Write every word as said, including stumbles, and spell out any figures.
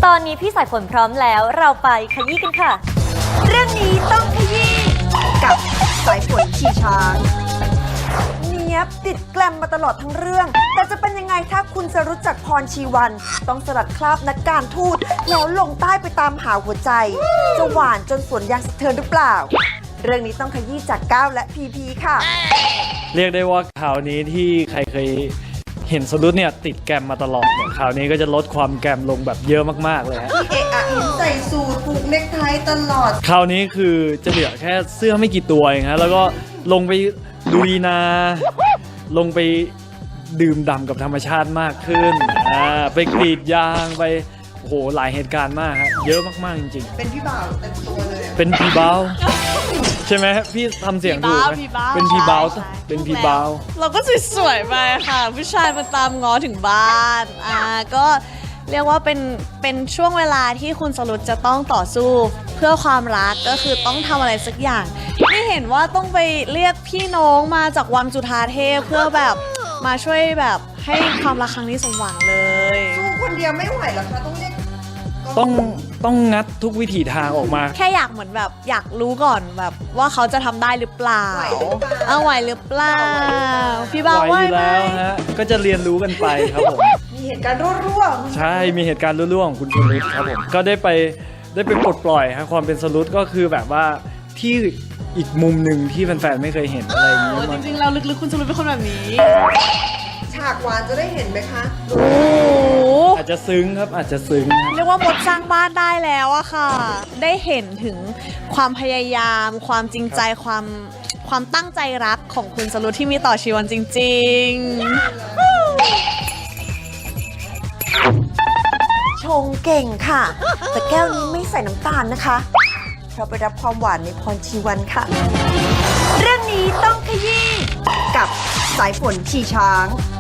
ตอนนี้พี่สายฝนพร้อมแล้วเราไปขยี้กันค่ะเรื่องนี้ต้องขยี้กับสายฝนขี่ช้างเนี้ยบติดแกลมมาตลอดทั้งเรื่องแต่จะเป็นยังไงถ้าคุณสรุตจากพรชีวันต้องสลัดคราบนักการทูตแล้วลงใต้ไปตามหาหัวใจจะหวานจนสวนยางสะเทือนหรือเปล่าเรื่องนี้ต้องขยี้จากก้าวและพีพีค่ะเรียกได้ว่าข่าวนี้ที่ใครเคยเห็นสรุตเนี่ยติดแกรมมาตลอดเนี่ยข่าวนี้ก็จะลดความแกรมลงแบบเยอะมากๆเลยฮะเอะอะเห็นใส่สูทผูกเนคไทตลอดคราวนี้คือจะเหลือแค่เสื้อไม่กี่ตัวเองฮะแล้วก็ลงไปลุยนาลงไปดื่มด่ำกับธรรมชาติมากขึ้นอ่าไปกรีดยางไปโอ้โหหลายเหตุการณ์มากฮะเยอะมากๆจริงๆเป็นพี่บ่าวเต็มตัวเลยเป็นพี่บ่าวใช่ไหมพี่ทำเสียงถูกไหมเป็นพี่บ่าวเป็นพี่บ่าวเราก็สวยๆไปค่ะผู้ชายมาตามง้อถึงบ้านอ่าก็เรียกว่าเป็นเป็นช่วงเวลาที่คุณสรุตจะต้องต่อสู้เพื่อความรักก็คือต้องทำอะไรสักอย่างไม่เห็นว่าต้องไปเรียกพี่น้องมาจากวังจุฑาเทพเพื่อแบบมาช่วยแบบให้ความรักครั้งนี้สมหวังเลยสู้คนเดียวไม่ไหวหรอกคะต้องเรียกต้องต้องงัดทุกวิถีทางออกมาแค่อยากเหมือนแบบอยากรู้ก่อนแบบว่าเขาจะทำได้หรือเปล่าเอาไหวหรือเปล่าพี่บ่าวไหวอยู่แล้วฮะก็จะเรียนรู้กันไปครับผมมีเหตุการณ์รั่วๆใช่มีเหตุการณ์รั่วๆของคุณสรุตครับผมก็ได้ไปได้ไปปลดปล่อยฮะความเป็นสรุตก็คือแบบว่าที่อีกมุมหนึ่งที่แฟนๆไม่เคยเห็นอะไรอย่างนี้จริงๆเราลึกๆคุณสรุตเป็นคนแบบนี้ฉากหวานจะได้เห็นไหมคะโอ้อาจจะซึ้งครับอาจจะซึ้งเรียกว่ามดสร้างบ้านได้แล้วอะค่ะได้เห็นถึงความพยายามความจริงใจความความตั้งใจรักของคุณสรุตที่มีต่อชีวันจริงๆชงเก่งค่ะแต่แก้วนี้ไม่ใส่น้ำตาลนะคะเพราะไปรับความหวานในพรชีวันค่ะเรื่องนี้ต้องขยี้กับสายฝนขี่ช้าง